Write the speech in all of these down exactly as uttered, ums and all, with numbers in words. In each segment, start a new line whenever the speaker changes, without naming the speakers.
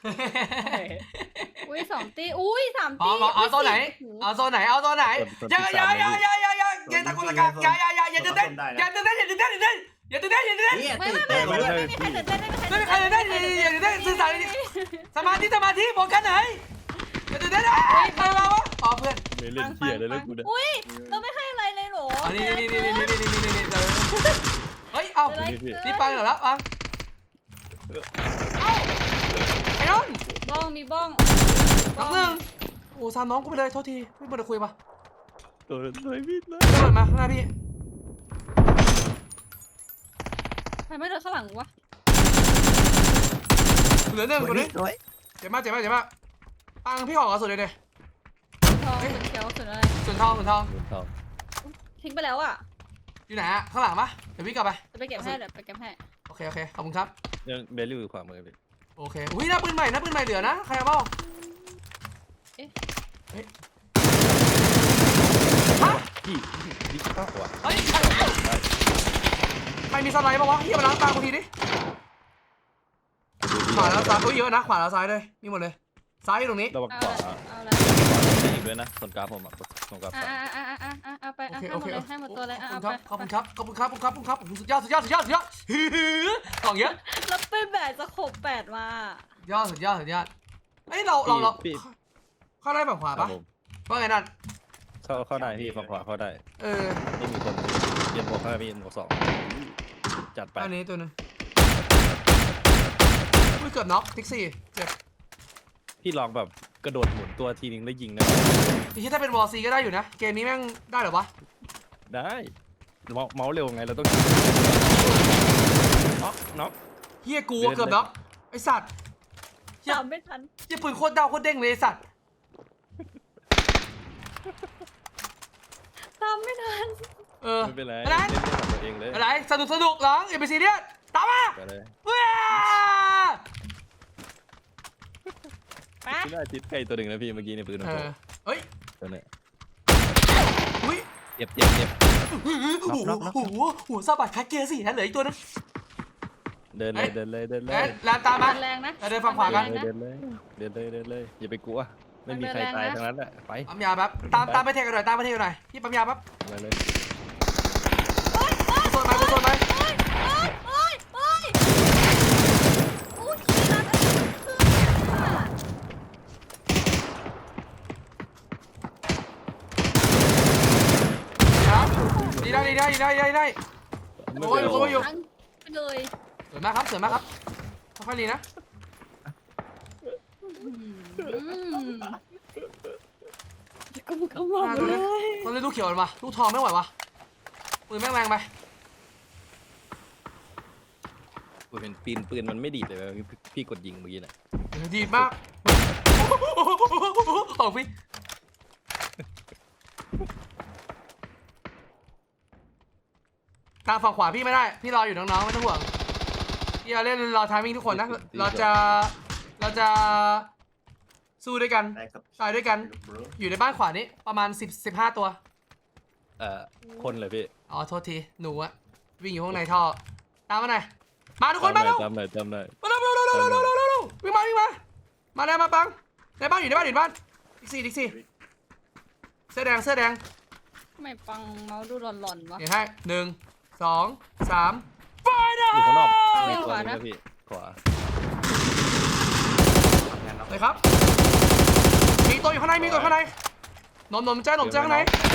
อุ้ยสองตีอุ้ยสาม
พร้
ตี
อมเอาโซนไหนเอาโซนไหนเอาโซนไหนอย่าอย่าอย่าอย่าอย่าอย่าอย่าตะโกนตะกาอย่าอย่าอย่าอย่าตื่นเต้นอย่าตื่นเต้นอย่าตื่นเต้นอย่าตื่นเต้นอย่าตื่นเต้นอย่าตื่นเต้น
นี่
ไม่
ตื่
ไม่
น
ไม่
เต้น
ไม่ไม่มีใครตื่นเต้นไม่มีใคร
ไม่มีใครตื่นเต้นอย่าตื่นเต้นสื่อสารสมาธิสมาธิโฟกัสไหนอย่าตื่นเต้นใครมาวะอ๋อเพื่อน
ไม่เล่นเที่ยเลยแล้วกูเนี่ย
อุ้ยเราไม่ให้อะไรเลยหรอ
อ๋อนี่นี่นี่นี่นี่นี่นี่นี่เฮ้ยเอ้านี่ปังเหรอแล้วปังเอ้าไอ้น้อง
บ้องมีบ้อง
น้องหนึ่งโอ้ซามน้องกูไปเลยโทษทีไม่ควรจะคุยปะ
ตัวเลยพี่นะ
เดินมาข้างหน้าพี่
ใครไม่เดินข้างหลังวะ
เหลือหนึ่งคนนี้
สวย
เจ็บมากเจ็บมากเจ็บมากปังพี่ขอกระสุนเลยเด
ทองสุดเขียวสุดอะไร
ส่วนทองส่วนทอง
เงินทอง
ทิ้งไปแล้วอ่ะ
อยู่ไหนอะข้างหลังปะเดี๋ยวพี่กลับไป
จะไปเก็บให้เดี๋ยวไปเก็บให้
โอเคโอเคขอบคุณครับ
ยังเบลลี่อยู่ขวามือพี่
โอเคอุ้ยหน้าปืนใหม่หน้าปืนใหม่เหลือนะใครเอาเปล่าฮะ
พี่ดิจิตอลว่ะ
เฮ้ยใครมีสไลด์ปะวะเฮียมาล้างตากูทีดิขวาแล้วซ้ายอุ้ยเยอะนะขวาแล้วซ้ายเลยมีหมดเลยซ้ายอยู่ตรงนี้
ระวัง
เอา
ขวา
ละเอาละ
อีกด้วยนะส่วนกราฟผมอ่ะส่วนกราฟ
อ่าอ่าอ่าอ่าอ่าเอาไป
โอ
เอา
เค
ให้
โอ
หม
เค
ดเลยให้หมดตัวเลย
ข
เอา
อบ
ไป
คุณครับขอบคุณครับขอบคุณครับขอบคุณครับขอบคุณครับสุดยอดสุดยอดสุดยอดสุดยอดของเยอะ
แล้วเป็นแบบสโคบแปดมา
ยอดสุดยอดสุดยอดเอ้ยเราเราเราเข้าได้แบบขวา
ครั
ปะ
บผม
ว่าไงนั่น
เข้าเข้าได้พี่ฝั่งขวาเข้าได้
เออ
ไม่มีคนเย็นหมวกเข้าพี่หมวกสองจัดไป
อันนี้ตัวนึงอุ้ยเกือบน็อกทิกซี่เจ็บ
พี่ลองแบบกระโดดหมุนตัวทีนึงแล้วยิงนะ
ทีถ้าเป็นวอลซีก็ได้อยู่นะเกมนี้แม่งได้เหรอวะ
ได้เมาส์เร็วไงเราต้องน็อกน็อก
เฮียกูเกือบน็อกไอสัตว์
จำไม่ทัน
เฮียปืนโคตรเดาโคตรเด้งเลยไอสัตว์
จำไม่ทัน
เออ
ไม่เป็นไร
อะไร
เล่นกับตัวเองเลย
อะไรสนุกสนุกหลังอย่าไปซีเรียสตามมา
ไปเลย
เว้ย
ไป
พี่ได้ติดใกล้ตัวหนึ่งนะพี่เมื่อกี้ในปืนของ
เอ
ผม
อเฮ้ย
ตัวเนี้ย
อุ้ย
เจ็บเจ็บเจ็บ
โอ้โหโอ้โหหัวซาบัดคัดเกียร์สิฮะเหลืออีกตัวนึง
เดินเลยเดินเลยเดินเล
เอ้
ย
ยลานตามมา
แรงนะ
เดินฝั่งขวากัน
เดินเลยเดินเลยเดินเลยอย่าไปกลัวไม่มีใครตายทั้งนั้นแหละไป
ปั๊มยาแป๊บตามตามไปเทกันหน่อยตามไปเทกันหน่อยพี่ปั๊มยาแป๊บ
มาเลย
กูโซนไปกูโซนไป
โอ้ยโอ้ยโอ้ยขี้รัดอันนี้
ครับดีได้ดีได้ดีได้ดีได้
ไม่
โอ้ย
เป็น
โอ้ย
ไร
ทั้งไปเลย
สวยมากครับสวยมากครับค่อยๆดีนะ
อืมกูก็มองเลย
ต้องเล่นลูกเขียวมาลูกทองไม่ไหววะปืนแม่งแรงไป
กูเห็นปีนปืนมันไม่ดีดเลยเว้ยพี่กดยิงเมื่อกี้น่ะ
ดีมากของพี่ทางฝั่งขวาพี่ไม่ได้พี่รออยู่น้องๆไม่ต้องห่วงพี่เราเล่นรอทามมิ่งทุกคนนะเราจะเราจะสู้ด้วยกัน
ได้ครับ
ตายด้วยกันอยู่ในบ้านขวานี้ประมาณสิบสิบห้าตัว
เอ่อคนเลยพี่
อ๋อโทษทีหนูอะวิ่งอยู่ข้างในท่อตามมาหน่อยมาทุกคนมาเร็ว
จำหน่อยจำหน่อย
มาเร็วเร็วเร็วเร็วเร็วเร็วเร็วเร็ววิ่งมาวิ่งมามาแล้วมาปังในบ้านอยู่ในบ้านอยู่ในบ้านดิกซี่ดิกซี่เสื้อแดงเสื้อแดง
ทำไมปังเมาส์ดูหลอนๆวะ
เห็นให้หนึ่งสองสามไฟนะ
อยู่ข้างนอก
เอา
มี
ข
ตัว
วา
นึง
นะ
นะพี่ขวา
เลยครับมีตัวอยู่ข้างในมีตัวอยู่ข้างในนมนมแจ้นมแจ้ข้างใน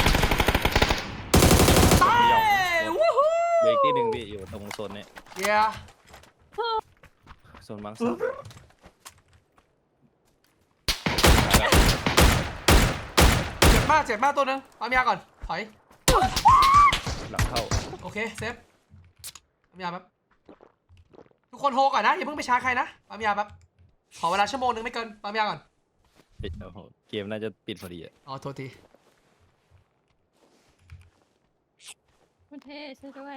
ตายวู้ฮู้
เบรกที่หนึ่งพี่อยู่ตรงโซนนี้
เย้
โซนมังสวิรัติ
เจ็บมากเจ็บมากตัวหนึงปั๊มยาก่อนถอย
หลังเข้า
โอเคเซฟปั๊มยาแป๊บทุกคนโฮก่อนนะอย่าเพิ่งไปช้าใครนะปั๊มยาแป๊บขอเวลาชั่วโมงนึงไม่เกินปั๊มยาก่อน
เฮ้ยโอ้โหเกมน่าจะปิดพอดีอ่ะ
อ๋อโทษที
คุณเท่ช่วยด้วย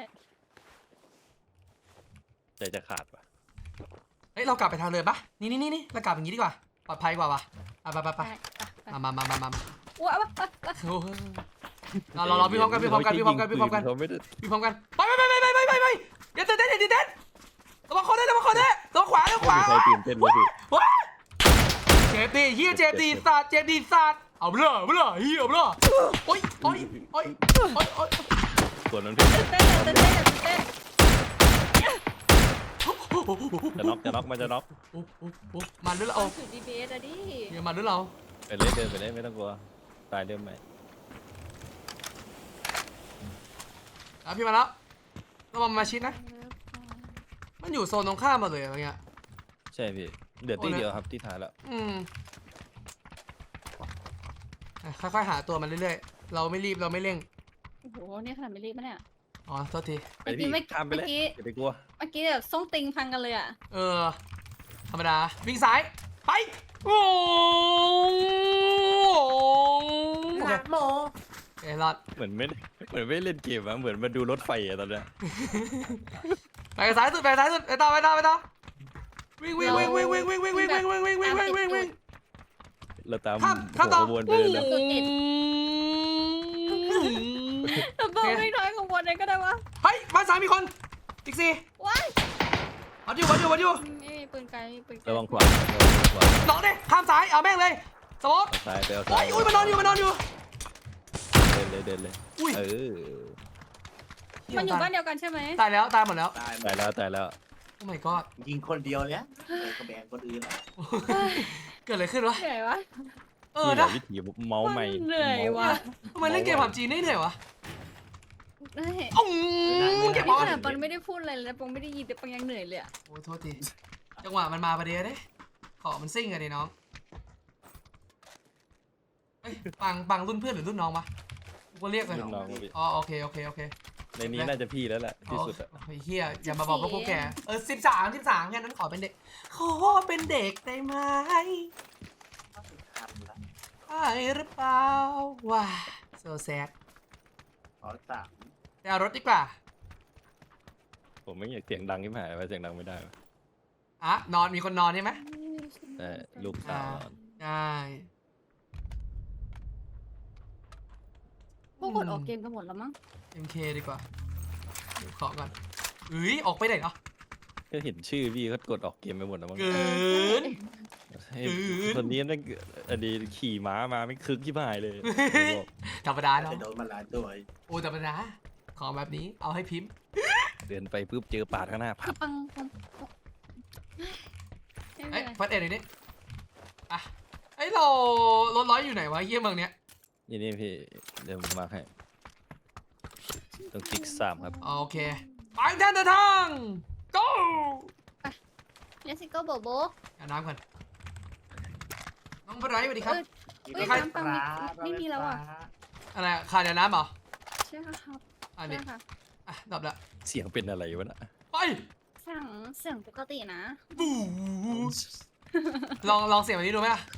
ใจจะขาดว่ะ
เฮ้ยเรากลับไปทางเรือปะนี่นี่นี่นี่เรากลับอย่างนี้ดีกว่าปลอดภัยกว่าว่ะไปไปไปไป
ไป
มามามามามา
ว้าว
โอ้โหเราเราเราพี่พร้อมกันพี่พร้อมกันพี่พร้อมกันพี่พร้อมกัน
เขาไม่ได้
พี่พร้อมกันไปไปไปไปไปไปไปอย่าตื่นเต้นอย่าตื่นเต้นระวังคอได้ระวังคอได้ระวังขวาระวังขวา
ไม่มีใครตื่นเต้นเลยพี่
ว้าเจ็บดิเฮียเจ็บดิสัตว์เจ็บดิสัตว์เอาเบลอเบลอเฮียเบลอโอ๊ยโอ๊ยโอ๊ยโอ๊ยโอ๊ย
ส่วนนั้นพี่
เต้นเต้นเต้นเต้น
จะน็อกจะน็อกมันจะน็อก
โอ้โอ้โอ้มันด้วยเรา
เอาถือ ดี พี เอส อะดิ
เฮียมันด้วยเรา
ไปเล่นเดินไปเล่นไม่ต้องกลัวตายเริ่มใหม่
อ่ะพี่มาแล้วระวังมาชิดนะมันอยู่โซนตรงข้ามมาเลยอะไรเงี้ย
ใช่พี่เดือดตีเดียวครับที่ท้ายแล้ว
อืมอ่ะค่อยๆหาตัวมันเรื่อยๆเราไม่รีบเราไม่เร่ง
โอ้โหเนี่ยขนาดไม่รีบปะเนี่ย
อ๋อโทษที
ไปพี่
เมื่อกี้
ข้ามไปเลย
เมื่อกี้
อย่าไปกลัว
เมื่อกี้แบบส่งติงพังกันเลยอ่ะ
เออธรรมดาวิ่งซ้ายไปโอ้โห
หลักโม
เอยรอด
เหมือนไม่เหมือนไม่เล่นเกมอะเหมือนมาดูรถไฟอะตอนเนี้ย
ไปซ้ายสุดไปซ้ายสุดไปต่อไปต่อไปต่อวิ่งวิ่งวิ่งวิ่งวิ่งวิ่งวิ่งวิ่งวิ่งวิ่งวิ่งวิ่งวิ่งวิ่งวิ่ง
เราตาม
ข้ามข้ามต่อ
หัวขบวนไปเลยนะ
แต่บอกไม่น้อยของวันไหนก็ได้วะ
เฮ้ยบ้านซ้ายมีคนอีกสี่
ว้าย
วัดอยู่วัดอยู่วัดอยู่
ไม่มีปืนไกลไม่มีปืนไกล
ระวังขวาระวังขวา
หลอกดิข้ามซ้ายเอาแม่งเลยสมมติ
เอาซ้ายไปเอา
โอ้
ซ้าย
ยอุ้ยมันนอนอยู่มันนอนอยู่
เดินเลยเดินเลย
อุ้ย
เออ
มันอยู่บ้านเดียวกันใช่ไหม
ตายแล้วตายหมดแล้ว
ตาย
ตายแล้วตายแล้ว
โอ้ my god
ยิงคนเดียวเนี่ยเออกระแบงคนอื่นอ่ะ
เกิดอะไรขึ้นวะ
เหนื่อยวะ
เออ
นี่แห
นะ
ละวิธีเมาส์ใหม่
เหนื่อยวะ
ทำไมเล่นเกมผับจีนได้เหนื่อยวะ
เฮ้ย
อืมเก็บ
นี่
บอ
ข
ล
นาดปอนไม่ได้พูดอะไรเลยนะปอนไม่ได้ยินแต่ปอนยังเหนื่อยเลยอะ
โอ้ยโทษทีจังหวะมันมาประเดี๋ยวเด้ขอมันซิ่งกันดิน้องเอ้ยปังปังรุ่นเพื่อนหรือรุ่นน้องวะกูก็เรียกเลย
รุ่นน้องพี่
อ๋อโอเคโอเคโอเค
ในนี้น่าจะพี่แล้วแหละที่สุดอะ
ไอ้เฮียอย่ามาบอกว่าพวกแกเออสิบสามสิบสามแค่นั้นขอเป็นเด็กขอเป็นเด็กได้ไหม
ทำละ
ใช่หรือเปล่าว้า so sad
ขอสาม
ไปเอารถดีกว่า
ผมไม่อยากเสียงดังที่หายไปเสียงดังไม่ได้วะ
อ่ะนอนมีคนนอนใช่ไหม
แต่ลูกสาว
ใช่
พวกคนออกเกมกันหมดแล้วมั้ง
เอ็มเคดีกว่าเดี๋ยวขอก่อนเฮ้ยออกไปไหนเนาะ
ก็เห็นชื่อพี่เขากดออกเกมไปหมดแล้วมั้ง
เกิน
เฮ้ย
เกิน
คนนี้นั่นอดีตขี่ม้ามาไม่คึกที่พายเลยผมบอก
ธรรมดาเนาะ
จะโดนมาหลายตัว
โอ้ธรรมดาของแบบนี้เอาให้พิมพ์
เดินไปปุ๊บเจอป่าข้างหน้าพั
คือบ ปังปังไม่เป็
เอ้ย
นไร
พัดเอ็ดหน่อยดิอ่ะเอ้ยเรารถร้อยอยู่ไหนวะเยี่ยเมืองเนี้ย
นี่นี่พี่เดี๋ยวผมมาให้ต้องติ๊กสามครับ
โอเคไปแทนเดินทาง go
เลสิโก้โบโบ
เอาน้ำก่อนน้องบรายสวัสดีครับ
เอ้ย
ใคร
น้ำปังไม่ไม่มีแล้วอ่ะ
อะไรอะขาดเดี๋ยวน้ำเหรอ
ใช่ครับ
อัน
ใช่
นี้
ค่ะ
อ่ะดับละ
เสียงเป็นอะไรวะน่ะ
ไป
เสียงเสียงปกตินะ
บูลองลองเสียงแบบนี้ดูไหมอ่ะ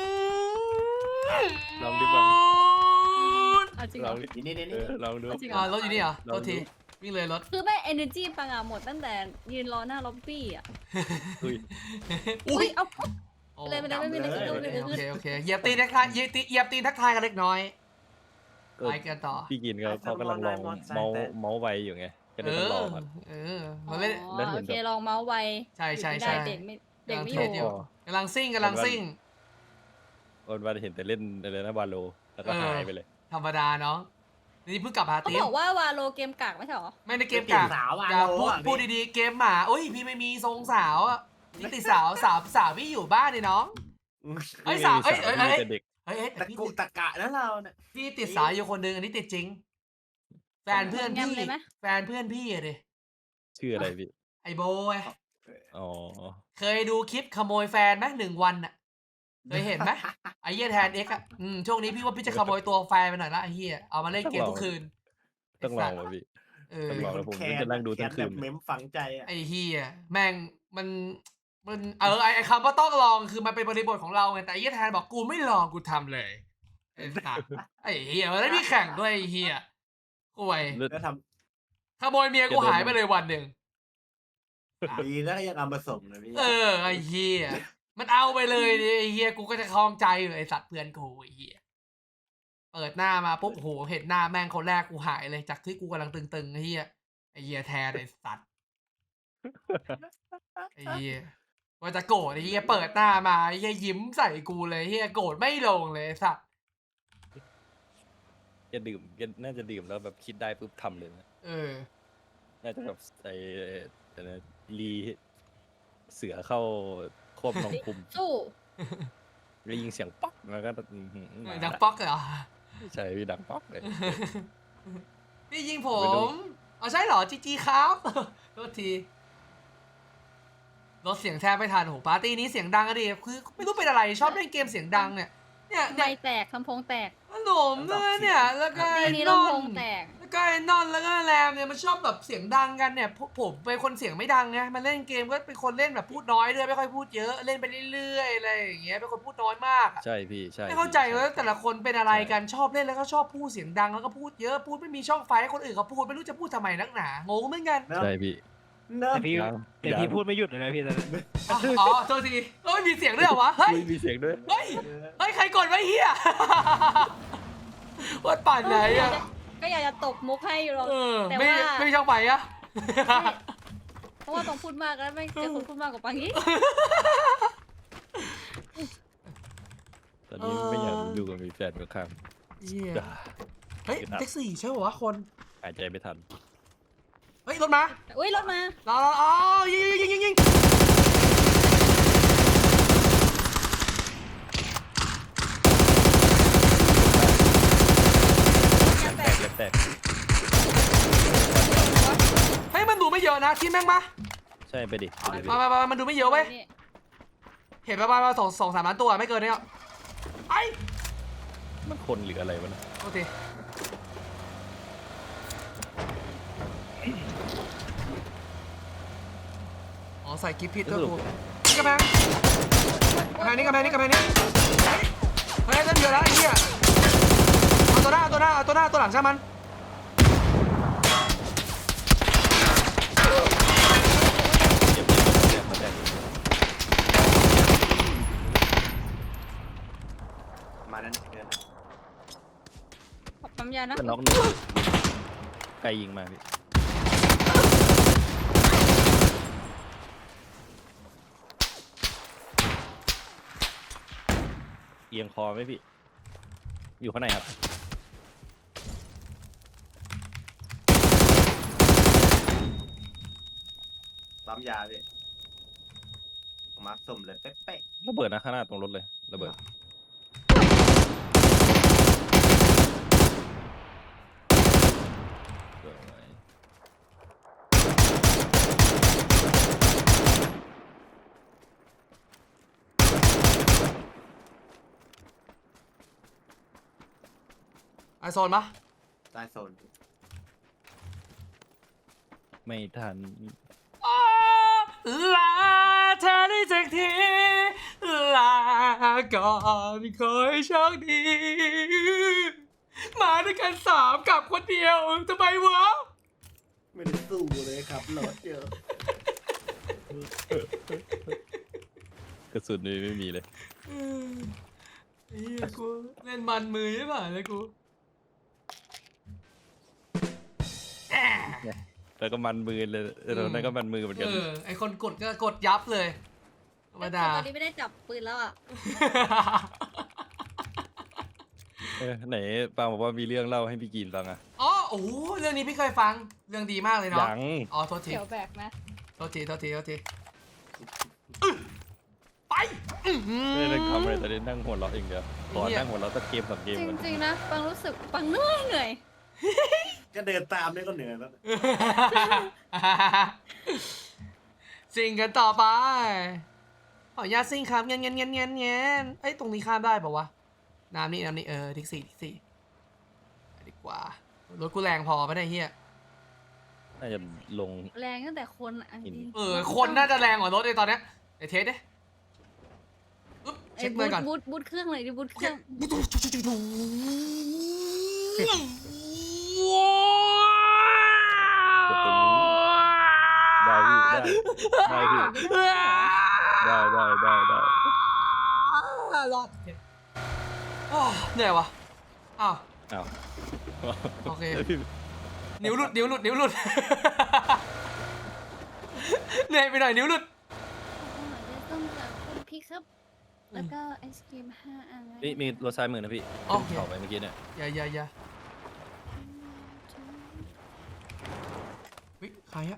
ลองดิบัง
เอาจริงเห
ล
ร
อ
อง
ดิ
นี่นี่นี่
เออลองดู
จริงเหร
อ่ารถอยู่นี่เหรอ
ลอง
โทษที
ดู
วิ่งเลยรถ
คือแม่เอเนอร์จีปังอะหมดตั้งแต่ยืนรอหน้าล็อบบี้อะ
อุ้ย
อุ้
อุ้
ย
ยเอา
โอ้
เลยไปเลยไม่เป็นไรไม่เป็นไรไม่เป็นไร
โอเคโอเคเหยียบตีนทักทายเหยียบตีเหยียบตีนทักทายกันเล็กน้อย
ก็
ไปกันต่อ
พี่กินเขาเขากำลังลองเมาส์เมาส์ไวอยู่ไงก็
เอ
เลยต้องล
อ
องก่อน
เออมันไม่ได้
อ๋อ
แล้วเห็
โอน
แบบ
เคลองเมาส์ไว
ใช่ใช่
ไม่
ใช่
ได้เด็กไม่เด็กไม่
กำลัง
อ
เท
ยู่
สอยู่กำลังซิ่งกำลังซิ่ง
วันวันเห็นแต่เล่นอะไรนะวาโลแล้วก็
เออ
หายไปเลย
ธรรมดาเนาะนี่เพิ่งกลับหา
เขา
ตี
บอกว่าวาโลเกมกากไม่ใช่หรอ
ไม่ได้เกม
เปลี่ย
กาน ก
สาวอ่ะ
อย่าพูด
อ่ะ
พูดดีๆเกมหมาโอ้ยพี่ไม่มีทรงสาวอ่ะนี่ติดสาวสาวสาวพี่อยู่บ้านนี่น้อง เอ้ยสาวเอ้ยเอ้ยเอ้ย
มีแต่เด็ก
เฮ้ยเฮ้ยแต่
ตะ
พี่
กุ
ติด
ตะกะแล้วเราเนี่ย
พี่ติดสาวอยู่คนหนึงอันนี้ติดจริง แฟนเพื่อนพี่
งำเลยไหม
แฟนเพื่อนพี่อะดิ
ชื่ออะไรพี่
ไอโบไง
อ๋อ
เคยดูคลิปขโมยแฟนไหมหนึ่งวันอ่ะเคยเห็นไหมไอเหี้ยแทนเอ็กอะอืมช่วงนี้พี่ว่าพี่จะขโมยตัวแฟนไปหน่อยละไอเหี้ยเอามาเล่นเกมทุกคืน
ต้องลองว่ะพี่
เออ
ต้องลอง แล้วผม
แค้
จะนั่งดูทั้งคืน
แบบเม้มฝังใจอ่ะ
ไอเหี้ยแม่งมันมันเออไอไอคำว่าต้องลองคือมันเป็นบริบทของเราไงแต่ไอเหี้ยแทนบอกกูไม่ลองกูทำเลยไอสัตว์ไอเหี้ยมันได้พี่แข่งด้วยไอเหี้ยห่วย
เลือด
แล้วท
ขโมยเมียกูหายไปเลยวันหนึ่ง
ำดีแล้วก็ยังเอามาส่งนะพี่
เออไอเหี้ยมันเอาไปเลยดิไอเหี้ยกูก็จะคลองใจอยู่ไอสัตว์เพื่อนกูไอเหี้ยเปิดหน้ามาปุ๊บโหเห็นหน้าแม่งคนแรกกูหายเลยจากที่กูกำลังตึงๆไอเหี้ยไอเหี้ยแทนไอสัตว์ไอเหี้ยว่าจะโกรธไอ้เหี้ยเปิดหน้ามาไอ้เหี้ยยิ้มใส่กูเลยไอ้เหี้ยโกรธไม่ลงเลยไอ้สัตว์
แกดื่มแกน่าจะดื่มแล้วแบบคิดได้ปุ๊บทำเลยนะ
เออ
น่าจะแบบไอ้แต่นะรีเสือเข้าควบน้องคุม
สู้
แล้วยิงเสียงป๊อกแล้วก็อื้อหือมา
ดักป๊อกเหรอ
ใช่พี่ดังป๊อกเลย
พี่ยิงผ
ไม่รู้
มเอาใช่เหรอจีจีครับโทษทีรถเสียงแทบไม่ทันโอ้โหปาร์ตี้นี้เสียงดังอะดิคือไม่รู้เป็นอะไรชอบเล่นเกมเสียงดังเนี่ยเนี่ย
ไม่
เนี่ย
แตกลำโพงแตก
ขนมด้วยเนี่ยแล้วก็
ตี
ไอ้
นี้
นอ
ลำโพ
น
งแตก
แล้วก็ไอ้นอนแล้วก็แรมเนี่ยมันชอบแบบเสียงดังกันเนี่ยพวกผมเป็นคนเสียงไม่ดังไงมันเล่นเกมก็เป็นคนเล่นแบบพูดน้อยด้วยไม่ค่อยพูดเยอะเล่นไปเรื่อยๆอะไรอย่างเงี้ยเป็นคนพูดน้อยมากอะ
ใช่พี่ใช่
ไม่เข้าใจ
พี่
ว่าแต่ละคนเป็นอะไร
ใช่
กันชอบเล่นแล้วก็ชอบพูดเสียงดังแล้วก็พูดเยอะพูดไม่มีช่องไฟให้คนอื่นเขาพูดไม่รู้จะพูดทำไมนักหนางงเหมือนกัน
เนอะ
ใช่พี่
เนอะ
แต่พี่
ยัง
แต่พี่พูดไม่หยุดเลยนะพี่ตอนนั้น
อ๋ออ๋อโทษทีเอ้ยมีเสียงด้วยเหรอวะเฮ้ย
ไม่มีเสียงด้วย
เฮ้ยเฮ้ยใครกดไว้เฮีย วัดป่านไหนอะ
ก็อยากจะตบมุกให้อยู่หรอก
เออ
แต่
ไม่
ว่า
ไม่มีช่องไฟอะ
เพราะว่าต้องพูดมากแล้วไม่เจอคนพูดมากกว่าปังอีก
ตอนนี้ไม่อยากดูกับมีแฟนข้าง
เหี้ย
ๆด่า
เฮ้ยแท็กซี่ใช่ป่าวะคน
หายใจไม่ทัน
เฮ้ยรถมา
อุ้ยรถมา
รอรออ๋อยิงยิงยิงยิง
แตกแตกแตก
เฮ้ยมันดูไม่เยอะนะที่แม่งมา
ใช่ไปดิไปดิ
มามามามันดูไม่เยอะเว้ย
นี่
เห็นประมาณสองสองสามล้านตัวไม่เกินเนี้ยไอ้
มันคนหรืออะไรวะนะ
โอเคอ๋อใส่กิฟต์ผิดด้วยกูนี่กระแพงกระแพงนี่กระแพงนี่กระแพงนี่เฮ้ยเล่นเยอะแล้วไอ้เหี้ยเอาตัวหน้าเอาตัวหน้าเอาตัวหน้าตัวหลังใช่มัน
เจ็บเจ็บเจ็บแตก
มานั้นเกิน
ขอบปั๊มยานะ
เพื่อนน็อกหนึ่งไกลยิงมาพี่เอียงคอไหมพี่ อยู่ข้างในครับ
ปั๊มยาพี่มาร์คสุ่มเลยเป๊ะ
ระเบิดนะข้างหน้าตรงรถเลยระเบิดสวย
ไอโซนปะ
ๆใต้โซน
ไม่ทัน
อ้าลาเธอได้จากทีลาก่อนขอให้โชคดี มาด้วยกันสามกับคนเดียวทำไมวะ
ไม่ได้สู้เลยครับรถเยอะ
กระสุนนี่ไม่มีเลย
เออไอ้เหี้ยกูเล่นมันมือใช่ป่ะเลยกูแอะ
แล้วก็มันมือเลยเออตอนนั้นก็มันมือเหมือน
เอ
กัน
อไอคนกดก็กดยับเลยธรรมดา
ตอนนี้ไม่ได้จับปืนแล้วอ่ะ
เออไหนปาบอกว่ามีเรื่องเล่าให้พี่กีนฟังอะ
อ๋อโอ้โหเรื่องนี้พี่เคยฟังเรื่องดีมากเลยเนาะ
ยัง
อ๋อโทษที
เขียวแบกนะ
โทษทีโทษทีโทษทีอื้อไปอื้อหือ
ไม่ได้ทำอะไรแต่ได้นั่งหัวเราะอย่างเดียวขอ
เหี้ย
นั่งหัวเราะสักเกมสองเกม
จ
ก่อน
ริงๆนะปังรู้สึกปังเหนื่อยเหนื่อย
ก็เดินตามนี่ก็เหนื่อยแล้ว
ซิงกันต่อไปขออนุญาตซิงครับเงี้ยเงี้ยเงี้ยเงี้ยเงี้ยเอ้ยตรงนี้ข้ามได้ปะวะน้ำนี่น้ำนี่เออทิกซี่ทิกซี่ไปดีกว่ารถกูแรงพอปะเนี่ยเฮีย
น่าจะลง
แรงตั้งแต่คนอ่ะจริง
เออคนน่าจะแรงกว่ารถเลยตอนเนี้ยไอเทสดิอึ๊บ
ไอ้
เช็ค
บู
เลย
ท
ก่อน
บูทบูทเครื่องเลยดิบูทเครื่อง
ได้พี่ได้ได้พี่ได้ได้ได้ได้
รอดอ้าวเหนื่อยวะอ้าว
อ้าว
โอเค
แล้วพี่
นิ้วหลุดนิ้วหลุดนิ้วหลุด เหนื่อยไปหน่อยนิ้วหลุด
ตพี่ครับ แล้วก็ไอศกรีมห้าอัน
นี่มีรถซ้ายมือนะพี่
โอ
ขึ้น
เค
เขาไปเมื่อกี้เนี่ย
อย่าอย่าอย่าวิใครอะ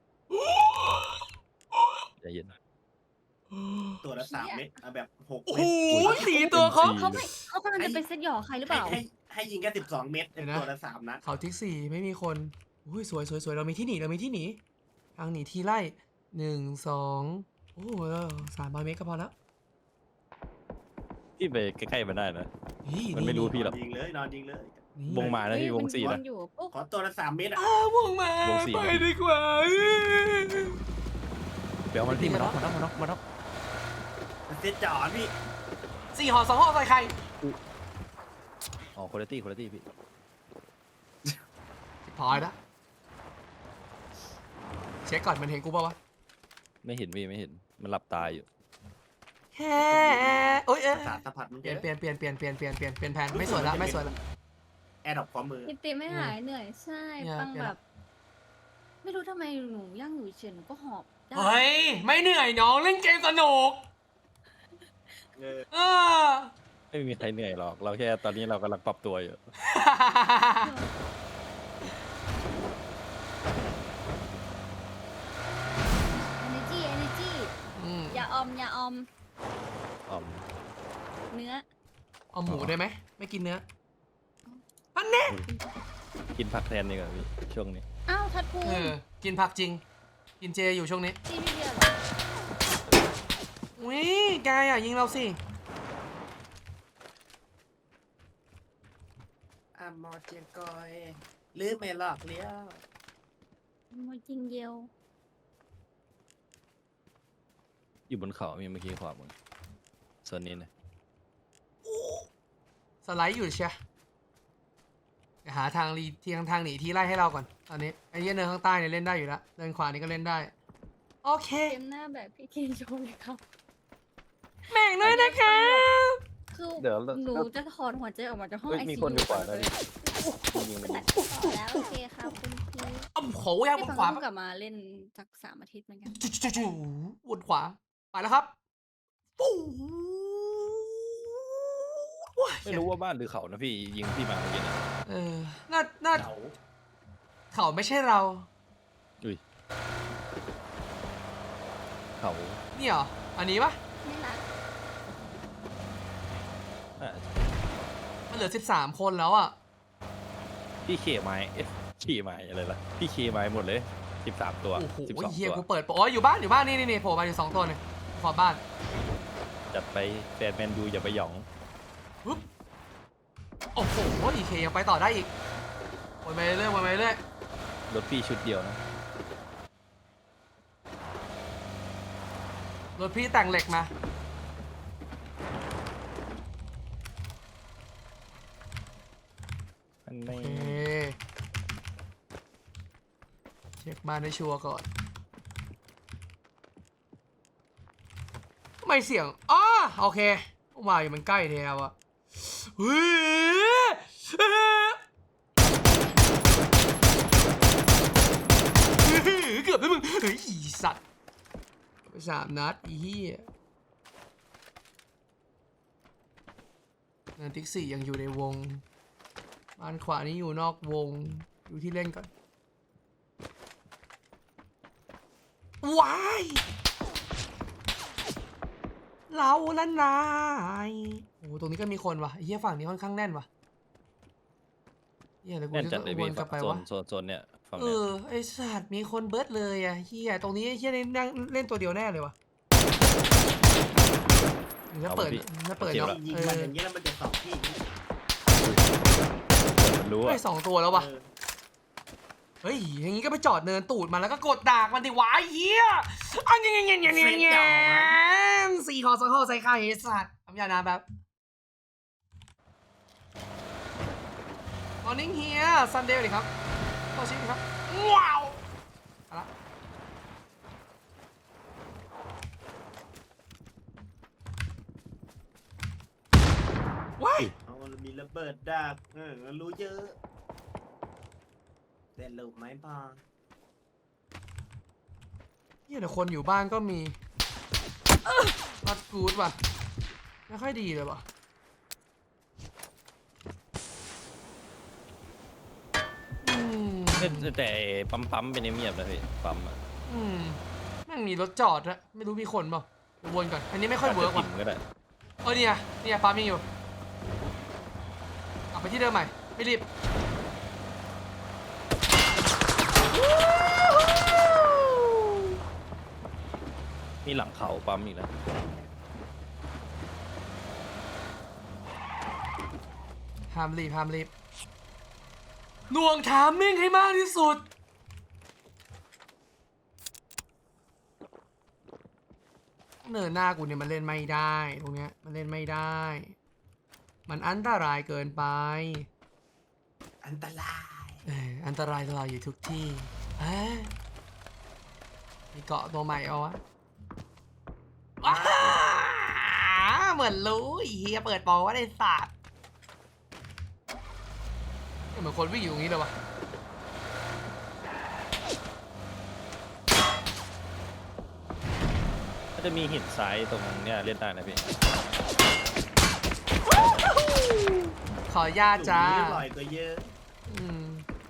ใจเย็น
ตัวละสามเม็ดเอาแบบหก
โอ้
เม็
โห
ด
สี่ตัวเขา
เขาไม่เขากำลังจะเป็นเซตหยอใครหรือเป
ให้
ล่า
ให้ให้ยิงแค่สิบสองเม็ด
เดี๋ยวนะ
ตัวละสามนัด
เขาทิกสี่ไม่มีคนอุ้ยสวยสวยสวยเรามีที่หนีเรามีที่หนีทางหนีทีไล่หนึ่งสองโอ้โหสามร้อยเมตรก็พอแล้ว
พี่ไปใกล้ๆมันได้นะ
นี่
มันไม่รู้ พี่หรอก
นอนยิงเลยนอนยิงเลย
นี่
วงมานะพี่วงสี่
มั
นะ
นอยู่ปุ๊บ
ขอตัวละสามเม็ดอ่ะ
อ้าววงมาว
งสี่
ไปดีกว่า
เดี๋ยวมันพี่มาน็อกมาน็อกมาน็อกมาน็อก
เซตจอดพี่
สี่ห่อสองห่อใส่ใคร
อ๋อคุณภาพคุณภาพพี่
พอยละเช็คก่อนมันเห็นกูป่าวะ
ไม่เห็นพี่ไม่เห็นมันหลับตาอยู่
แค่โอ้ยเอ้ย
สารสัมผัสมัน
เปลี่ยนเปลี่ยนเปลี่ยนเปลี่ยนเปลี่ยนเปลี่ยนเปลี่ยนเปลี่ยนแผนไม่สวยละไม่สวยละ
แอร์ดรอปความมือ
ติดติไม่หายเหนื่อยใช่
เนี่ย
ปัง
เปลี่ยน
แบ
ละ
บ ไม่รู้ทำไมหนูย่างอยู่เฉยหนูก็หอบได้
เฮ้ยไม่เหนื่อยน้องเล่นเกมสนุก
เออ
เออ
ไม่มีใครเหนื่อยหรอก เราแค่ตอนนี้เรากำลังปรับตัวอยู่
energy energy
อืม
อย่าออมอย่าออม
อ๋อ
เนื้อ
เอาหมูได้ไหมไม่กินเนื้ออันเนี้ย
กินผักแทนดีกว่าพี่ช่วงนี้
อ้าวทัดพู
เออกินผักจริง กินเจอยู่ช่วงนี้
ที่พี่เดียวเหรอ
อุ้ยแกอ่ะยิงเราสิ
อ่ะมอเจียงกอยลืมไม่หลอกเลี้ยว
มวยจริงเดียว
อยู่บนเขามีเมื่อกี้ขวามือส่วนนี้นะ
สไลด์อยู่เชียเดี๋ยวหาทางรีที่ทางทางหนีที่ไล่ให้เราก่อนตอนนี้ไอ้เหี้ยเนินข้างใต้เนี่ยเล่นได้อยู่แล้วเนินขวานี่ก็เล่นได้โอเค
เกมหน้าแบบพี่เคนโชว์เลยครับ
แม่งด้วยนะคะ
คือ
เดี๋ยว
หนูจะถอนหัวใจออกมาจากห้อง
เฮ้ย
ไอ
มี
ซี
คนอยู่
ยู
ขวาแล้วนี่ยิงมัน
แล้วโอเคครับคุณพี่
อ้ำโขยังบ
พี่
น
ฟัง
ขวา
เพิ่งกลับมาเล่นสักสามอาทิตย์เหมือนกัน
จู่จู่จู่บนขวาไปแล้วครับปู๊ว้าย
ไม่รู้ว่าบ้านหรือเขานะพี่ยิงพี่มาเมื่อกี้นะ
เออน่าน่า
เขา
เขาไม่ใช่เรา
อุ้ยเขา
นี่เหรออันนี้ปะ
ไม่รัก
อ่ะ
มันเหลือสิบสามคนแล้วอ่ะ
พี่เคไม้เอ๊ะขี่ไม้อะไรล่ะพี่เคไม้หมดเลยสิบสามตัว
โอ้โห
สิบสอง
เฮีย
ตัว
กูเปิดโปรอ๋ออยู่บ้านอยู่บ้านนี่นี่นี่โผล่มาอยู่สองตัวเนี่ยขอบบ้าน
จัดไปแฟนแมนยูอย่าไปหยอง
ปึ๊บโอ้โหอีเคยังไปต่อได้อีกวนไปเรื่อยวนไปเรื่อย
รถพี่ชุดเดียวนะ
รถพี่แต่งเหล็กมา
อัน
โอ
นี้
เคเช็คบ้านให้ชัวร์ก่อนทำไมเสียงอ๋อโอเคว่าอยู่มันใกล้แถวอะเฮ้ยเฮ้ยเกือบแล้วมึงเฮ้ยอีสัตว์ไปสามนัดอีเหี้ยนันทิกสี่ยังอยู่ในวงบ้านขวานี้อยู่นอกวงอยู่ที่เล่นก่อนว้ายเราละนายโอ้โหตรงนี้ก็มีคนว่ะไอ้เหี้ยฝั่งนี้ค่อนข้างแน่นว่ะเหี้ยแล้วกู
แน่น
จะ
จั
ต้
ด
อง
เลย
ว
พี่
นกลับไป
โซ
วะ
นโซนโซนเนี่ยฝั่ง
เอ
เนี้ย
อไอสัตว์มีคนเบิร์ดเลยอ่ะเฮียตรงนี้เฮียนี่นั่งเล่นตัวเดียวแน่เลยวะถ้าเปิดถ้าเปิดเนาะ
ยิง
เอ
มัน
อ
อย่างเงี้ยแล้วมันจะสองที่
มันรู้
ไอ
อ่ะ
สองตัวแล้ววะ
เออ
เฮ้ยอย่างงี้ก็ไปจอดเนินตูดมันแล้วก็กดดากมันดิวะไอ้เฮียอันเงี้ยเงี้ยเงี้ยเงี้ยเงี้ยสี่คอสองคอใส่ไข่ไอ้สัตว์ทำยานาแบบ Morning here Sunday เลยครับต่อชิมครับว้าวเอาละว้าย
เอามีระเบิดดักเออรู้เยอะแต่ลูกไม้พอ
เฮียแต่คนอยู่บ้านก็มี not good ว่ะไม่ค่อยดีเลยว่ะอืม
แต่แต่ปั๊มปั๊มเป็นเงียบๆนะพี่ปั๊มอะ
อืมแม่งมีรถจอดอะไม่รู้มีคนเปล่าเดี๋ยววนก่อนอันนี้ไม่ค่อยเวิร์ก
อา
ว่ะ
จจะติ่มก็ได้
เออเนี่ยเนี่ยปั๊มยังอยู่กลับไปที่เดิมใหม่ไม่รีบ
มีหลังเขาปั๊มอีกนะ
ห้ามรีบห้ามรีบหน่วงถามมิ่งให้มากที่สุดเนินหน้ากูเนี่ยมันเล่นไม่ได้ตรงเนี้ยมันเล่นไม่ได้ มันอันตรายเกินไป
อันตราย
เอออันตรายเราอยู่ทุกที่เอ้ยมีเกาะตัวใหม่เอาวะว้าเหมือนรู้ไอ้เฮียเปิดโปรว่าได้ศาสตร์เหมือนคนวิ่งอยู่ตรงนี้เลยวะ
ก็จะมีหินซ้ายตรงเนี้ยเล่นได้นะพี่
ขออนุญาตจ้า
หลุมนี้อร่อยกว่าเยอะ
อืม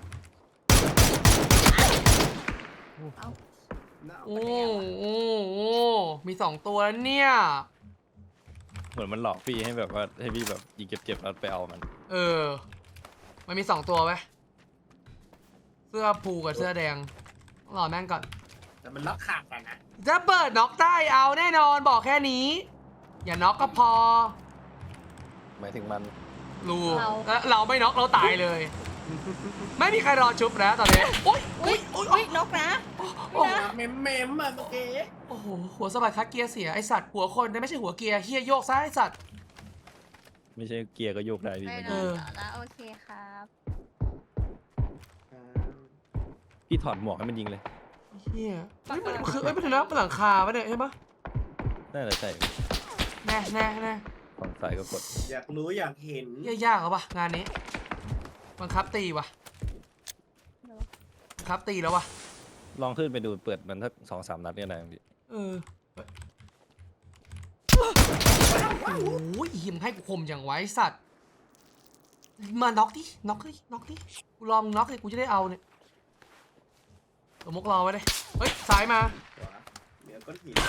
เอา
น่าเอา
โอ้
ไปแล้วอะ
โอ้โอ้มีสองตัวแล้วเนี่ย
เหมือนมันหลอกพี่ให้แบบว่าให้พี่แบบยิงเจ็บๆแล้วไปเอามัน
เออ มันมีสองตัวไหมเสื้อผูกับเสื้อแดงต้องรอแม่งก่อน
แต่มันล็อกขาดกันนะ
ถ้าเปิดน็อกได้เอาแน่นอนบอกแค่นี้ อย่าน็อกก็พอ
หมายถึงมัน
รู้แล้วเราไม่น็อกเราตายเลย ไม่มีใครรอชุบนะตอนนี้โอ๊ย
อุ้ยอุ้ยนกนะ
โอ้โห
เมมเมมอ่ะเมื่อกี้
โอ้โหหัวสะบัดคัดเกียร์เสียไอสัตว์หัวคนแต่ไม่ใช่หัวเกียร์เฮียโยกซ้ายไอสัตว์
ไม่ใช่เกียร์ก็โยกได้พี่
ไม่
ไม่
น
ได้
อนต่อแล้วโอเคครับ
พี่ถอดหมวกให้มันยิงเลย
เฮียเฮ้ยมันคือเอ้ยมันถึงแล้วมันหลังคาปะเนี่ยใช่ปะ
น่าจะใช่
แน่แน่แน่
ฝั่งซ้ายก็กด
อยากรู้อยากเห็น
เหี้ยยากเหรอปะงานนี้บังคับตีวะบังคับตีแล้ววะ
ลองขึ้นไปดูเปิดมันสักสองสามนัดก็ได้พี่
เออโอ้ยหิมงให้กูคมอย่างไว้สัตว์มาน็อกดิน็อกดิน็อกดิกูรอมึงน็อกเลยกูจะได้เอาเนี่ยตัวมกรอไว้เลยเฮ้ยซ้ายมา
เหนือก้อนหิน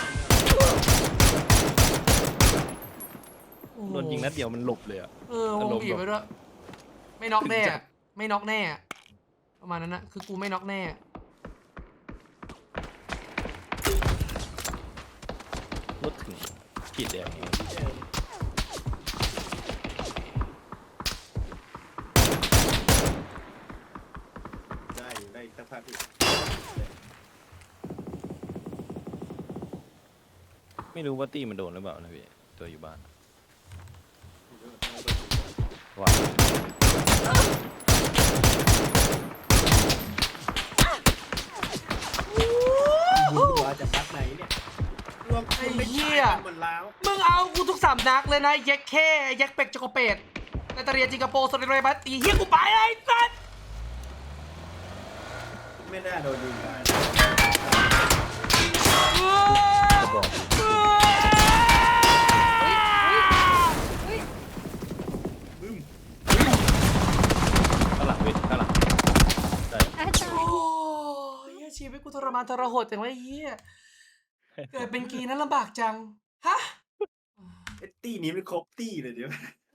โอ้โห
โดนยิงนัดเดียวมันหลบเลยอ่ะ
เออว
อาง รมณ์
บีบ
แบบ
ไปด้วยไม่น็อกแน่
ถึงจั
อะ
ด
ไม่น็อกแน่อะประมาณนั้นนะคือกูไม่น็อกแน่
รถถึงขีดแดงอย่างงี้
ได้อยู่ได้อีกสักพักพี่
ไม่รู้ว่าตี้มันโดนหรือเปล่านะพี่ตัวอยู่บ้านว้า
บุญว่าจะพักไหนเนี่ยรวม
ไอ้เหี้ย
หมดแล้ว
มึงเอากูทุกสามนักเลยนะแย็กแค่แย็กเป็กจกกระเป็ดนาตาเรียจิงคโปร์สเตรเลียบัตตีเฮียกูไปไอ้สัส
ไม่น่าโดนยิงได้
จะบอก
อุ้ย
บึ้ม
ข้างหลังพี่ข้างหลังได้
อาจาร
โอ้
ย์
ยเหี้ยชีวิตกูทรมานทรหดจังวะไอ้เฮียเกิดเป็นกีนั้นลำบากจังฮะ
ไอ้ตี้นี้มันครบตี้เลยเดี๋ยว